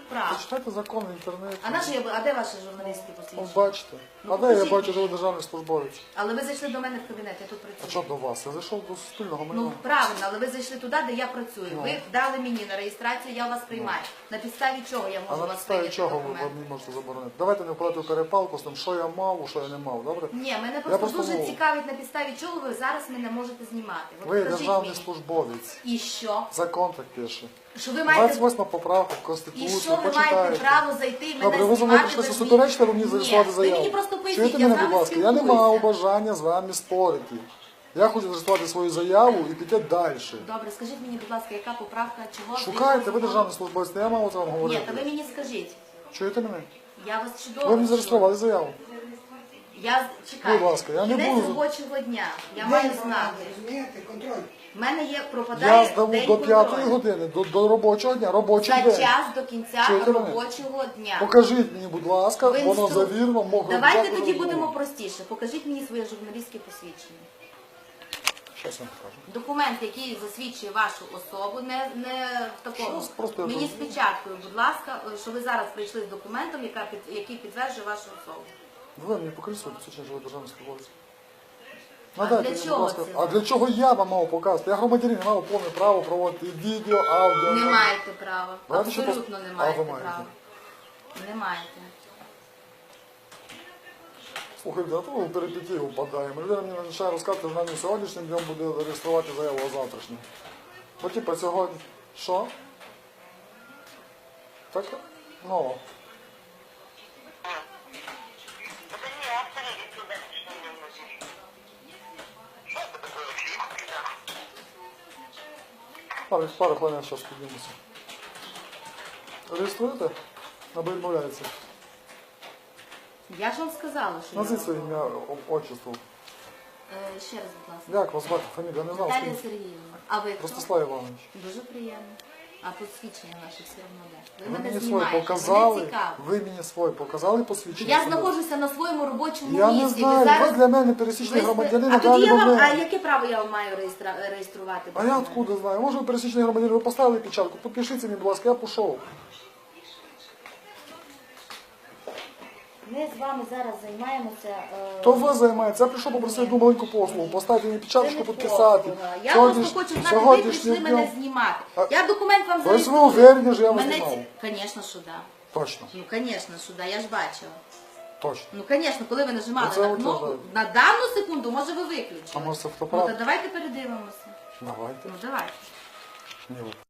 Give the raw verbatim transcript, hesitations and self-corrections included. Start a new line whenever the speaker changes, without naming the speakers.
прав.
Почитайте закон в інтернеті.
А наше, а де ваше журналістське
Ось
посвідчення?
бачите.
Ну,
А де я
покажіть
бачу,
мені.
що ви державний службовець?
Але ви зайшли до мене в кабінет, я тут
А
працюю.
що до вас? Я зайшов до суспільного майна.
Ну, правильно, але ви зайшли туди, де я працюю.
Ну.
Ви дали мені на реєстрацію, я вас приймаю. На підставі чого я
А
можу
на
вас
підставі
прийняти
чого ви
документ?
мені можете заборонити? Давайте не вкладати в перепалку з тим, що я мав, що я не мав, добре?
Ні, мене просто,
просто
дуже
мов.
цікавить, на підставі чого ви зараз мене можете знімати. От
Ви
покажіть
державний
мені.
службовець.
І що?
Закон так пише.
Що ви маєте...
двадцять восьма поправка в
І
Конституції,
що ви маєте
почитайте.
право зайти і мене
Добре, ви за мною
знімати?
прийшли
без
суперечити, ви мені
Ні,
зареєструвати
ви
заяву.
мені просто поясніть,
Чуєте
я
мене,
з
будь
вами
ласка? Я не
спілкуюся.
мав бажання з вами спорити. Я хочу зареєструвати свою заяву і піти далі.
Добре, скажіть мені, будь ласка, яка поправка, чого?
Шукайте, ви
згідно
державний службовець, не я мав це вам
закону? Ні,
говорити.
та ви мені скажіть.
Чуєте мене?
Я вас чудово.
Ви мені
чую.
зареєстрували заяву.
Я чекаю.
Будь ласка, я не
Кінець
буду-
робочого дня. Я маю знати.
Розумієте, контроль.
В мене є пропадає
Я здаву
день
до п'ятої
контролю.
години, до, до робочого дня, робочий
За
день.
час до кінця
Чуєте мене?
робочого дня.
Покажіть мені, будь ласка,
Ви
воно
інстру-
завірно, мого
Давайте
взяти
тоді
розмову.
будемо простіше. Покажіть мені своє журналістське посвідчення.
Щас я вам покажу.
Документ, який засвідчує вашу особу, не, не в такому.
Щас, просто я
Мені
тут-
з печаткою, будь ласка, що ви зараз прийшли з документом, яка під- який підтверджує вашу особу.
Ви мені покажіть своє посвідчення, що ви державний службовець.
А
Надайте
для
мені, будь
чого
ласка.
це
А
вам?
для чого я вам мав показати? Я громадянин, я мав повне право проводити і відео, аудіо.
Не маєте права.
Давайте ще
Абсолютно
пос-
не
А
маєте
ви маєте?
права. Не маєте.
Слухайте, а то ми в перипетії впадаємо. Людина мені починає розказувати, що вона не сьогоднішнім днем буде реєструвати заяву, а завтрашнім. Бо типа сьогодні. Що? Так, ну.
Это не авторы, это дальше не вносишь. Что это такое? Фиг, да.
Пару, пару хвилин зараз піднімуся. Реєструєте? Або відмовляється?
Я ж вам сказала, що
Назвіть
я
своє
вам-
ім'я, о- отчество.
Е, Ще раз, будь ласка.
Як вас звати? Фамілія? Не знав.
Наталія
скажіть.
Сергіївна. А ви хто?
Ростислав Іванович.
Дуже приємно. А посвідчення наше все одно де? Ви
Ви
мене
мені своє
знімаєте,
показали,
мене цікаво.
ви мені своє показали посвідчення?
Я
себе?
знаходжуся на своєму робочому
Я
місці.
не знаю,
ви
ви
зараз...
для мене пересічний
ви...
громадянин,
А
а
тоді
далі
я
до
вам, а
мене.
яке право я вам маю реєстра... реєструвати?
А я откуда знаю? Може ви пересічний громадянин, ви поставили печатку, підпишіться мені, будь ласка, я пішов.
Ми з вами зараз займаємося... Е...
То ви займаєтеся, я прийшов попросити одну маленьку послугу, поставити мені
Це
печаточку,
не
підписати.
послуга. Я
Сьогодні
просто
ж-
хочу знати, ви
сьогоднішнім
прийшли мене
днем-
знімати.
А-
Я документ вам
Ви ж ви
зареєструю.
уверені, що я вас
Мене
знімав?
ці- Звісно, що да.
Точно,
Ну, звісно, що да, я ж бачила.
точно.
Ну, звісно, коли ви нажимали
Ну, це
на
от
кнопку,
вже-
на дану секунду, може ви виключили.
А може це
Ну,
фотоапарат?
то давайте передивимося.
Давайте.
Ну, давайте.
Ні, ви.